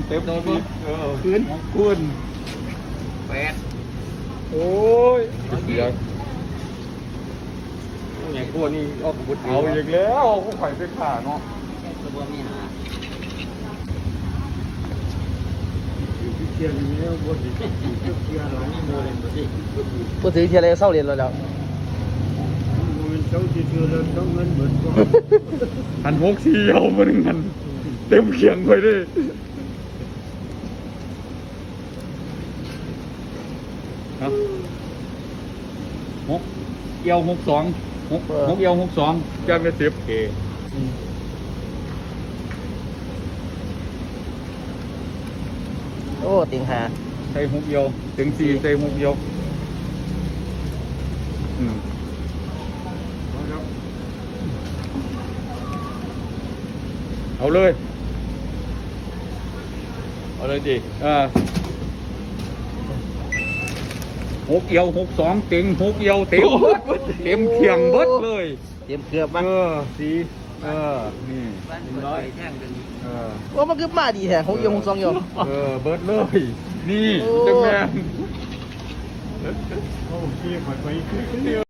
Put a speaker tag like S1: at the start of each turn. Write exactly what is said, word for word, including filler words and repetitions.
S1: เต็ม
S2: โดน
S1: ปี
S2: บ่
S1: เออ
S2: คืน
S1: คืน
S2: แปด
S1: โอ้ยเสียง
S2: อย่างพวกนี้ออกบุตร
S1: เอาอีกแล้วกูไข่ไปขาเนาะ
S2: ตัวบ่มีหา
S3: เทียนนี้บนที่เทียนหลัง
S2: โดนเลยบ่สิ
S4: พูดถึงเทียร์เลยเศร้าเรียนเราแล้ว
S3: มันเจ้าที่เทียนแล้วต้องเงินเบิดก็
S1: หันหกสี่เอามาหนึ่งหันเต็มเขียงไปเลยฮะหกเอียวหกสองหกหกเอียวหกสองจะไม่เสียบเอ
S4: โอ้ติงหา
S1: ใส่หกเอียวถึงสี่ใส่หกเอียวอืมเอาเลยเอาเลยดิอ่าหกเอียวหกสองเต็งหกเอียวเต็มเบิดเต็มเขียงเบิดเลย
S4: เตรียมเกือบมา
S1: เออสีเออนี่
S2: บ้านร้อยแท่งกัน
S1: เออ
S4: ว่ามันคือมาดีแท้หกเอียวหกสองเอียว
S1: เออเบิดเลย นี่
S4: โอ้
S1: จังแม่น
S3: โอ้ที่ไปไป